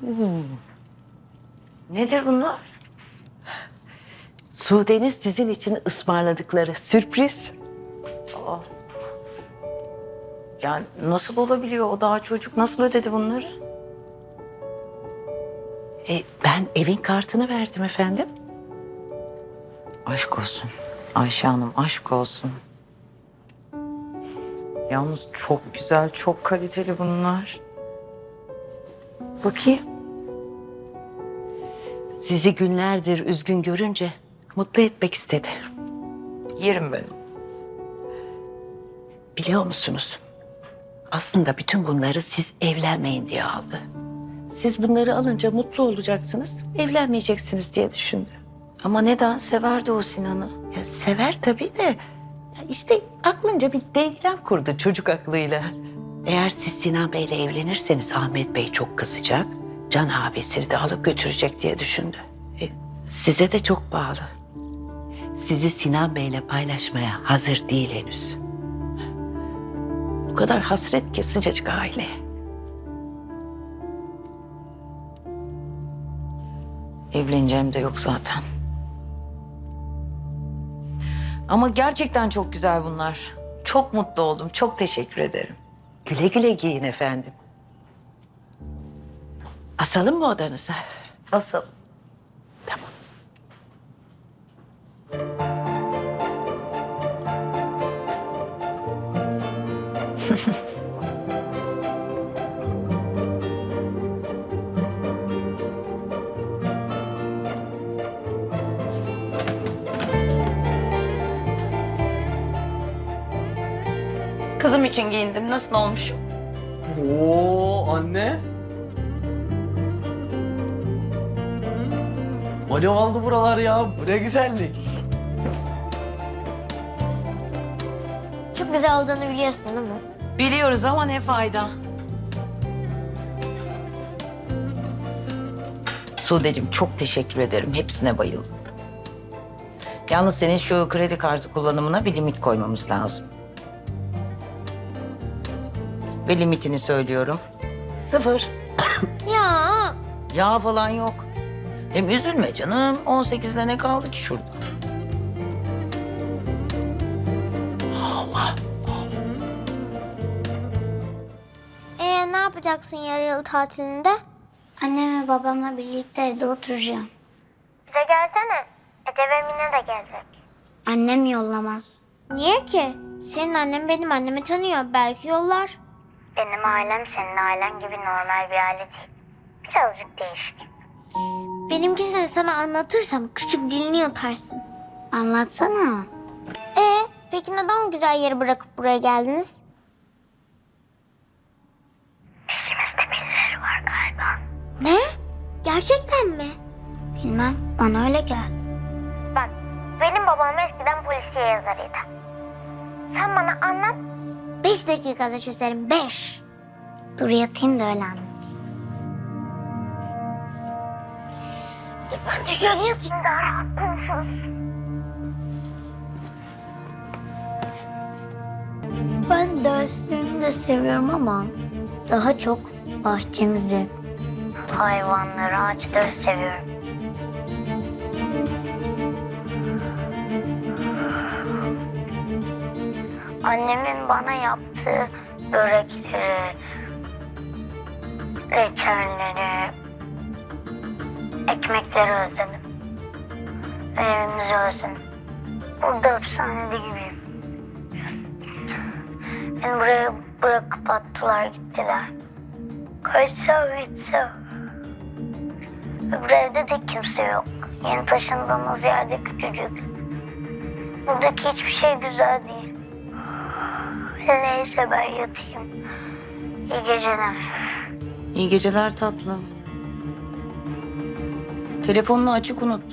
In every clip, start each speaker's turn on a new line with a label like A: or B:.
A: Nedir bunlar?
B: Sude'nin sizin için ısmarladıkları sürpriz.
A: Yani nasıl olabiliyor, o daha çocuk nasıl ödedi bunları?
B: Ben evin kartını verdim efendim.
A: Aşk olsun Ayşe Hanım, aşk olsun. Yalnız çok güzel, çok kaliteli bunlar. Bakayım.
B: Sizi günlerdir üzgün görünce mutlu etmek istedi.
A: Yerim ben.
B: Biliyor musunuz? Aslında bütün bunları siz evlenmeyin diye aldı. Siz bunları alınca mutlu olacaksınız, evlenmeyeceksiniz diye düşündü.
A: Ama neden severdi o Sinan'ı?
B: Ya sever tabii de ya işte aklınca bir denklem kurdu çocuk aklıyla. Eğer siz Sinan Bey'le evlenirseniz Ahmet Bey çok kızacak. Can abisini de alıp götürecek diye düşündü. Size de çok bağlı. Sizi Sinan Bey'le paylaşmaya hazır değil henüz. O kadar hasret ki sıcacık aile.
A: Evleneceğim de yok zaten. Ama gerçekten çok güzel bunlar. Çok mutlu oldum, çok teşekkür ederim.
B: Güle güle giyin efendim. Asalım mı odanıza?
A: Asıl.
B: Tamam.
A: Kızım için giyindim, nasıl olmuşum?
C: Oo anne. Alev aldı buralar ya. Bu ne güzellik.
D: Çok güzel olduğunu biliyorsun değil mi?
A: Biliyoruz ama ne fayda. Sude'cim çok teşekkür ederim. Hepsine bayıldım. Yalnız senin şu kredi kartı kullanımına bir limit koymamız lazım. Ve limitini söylüyorum. 0.
D: Ya
A: Yağ falan yok. Hem üzülme canım. 18'de ne kaldı ki şurada?
D: ne yapacaksın yarı yıl tatilinde? Annem ve babamla birlikte evde oturacağım. Bize gelsene. Ece ve Mine de gelecek. Annem yollamaz. Niye ki? Senin annen benim annemi tanıyor. Belki yollar. Benim ailem senin ailen gibi normal bir aile değil. Birazcık değişik. Benimkisini sana anlatırsam küçük dilini yutarsın. Anlatsana. Peki neden o güzel yeri bırakıp buraya geldiniz? Peşimizde birileri var galiba. Ne? Gerçekten mi? Bilmem. Bana öyle geldi. Bak, benim babam eskiden polisiye yazarıydı. Sen bana anlat. 5 dakikada çözerim. 5. Dur yatayım da öyle anlatayım. Dur ben de şöyle yatayım daha rahat konuşuruz. Ben derslerimi de seviyorum ama daha çok bahçemizi, hayvanları, ağaçları seviyorum. Annemin bana yaptığı börekleri, reçelleri, ekmekleri özledim. Ve evimizi özledim. Burada hapishanede gibiyim. Beni buraya bırakıp attılar gittiler. Kaçsam gitsem. Öbür evde de kimse yok. Yeni taşındığımız yerde küçücük. Buradaki hiçbir şey güzel değil. Neyse ben yatayım. İyi geceler.
A: İyi geceler tatlım. Telefonunu açık unut.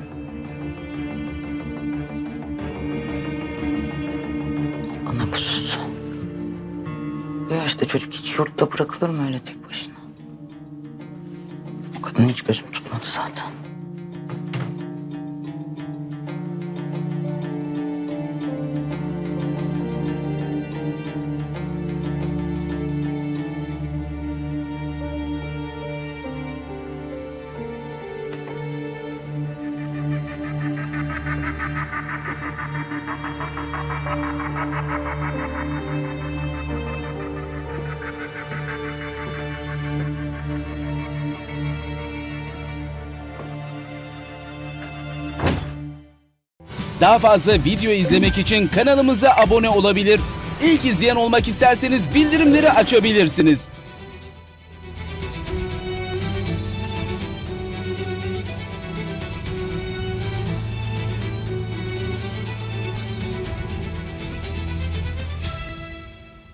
A: Ana kuzusu. Bu yaşta çocuk hiç yurtta bırakılır mı öyle tek başına? O kadın hiç gözüm tutmadı zaten.
E: Daha fazla video izlemek için kanalımıza abone olabilir. İlk izleyen olmak isterseniz bildirimleri açabilirsiniz.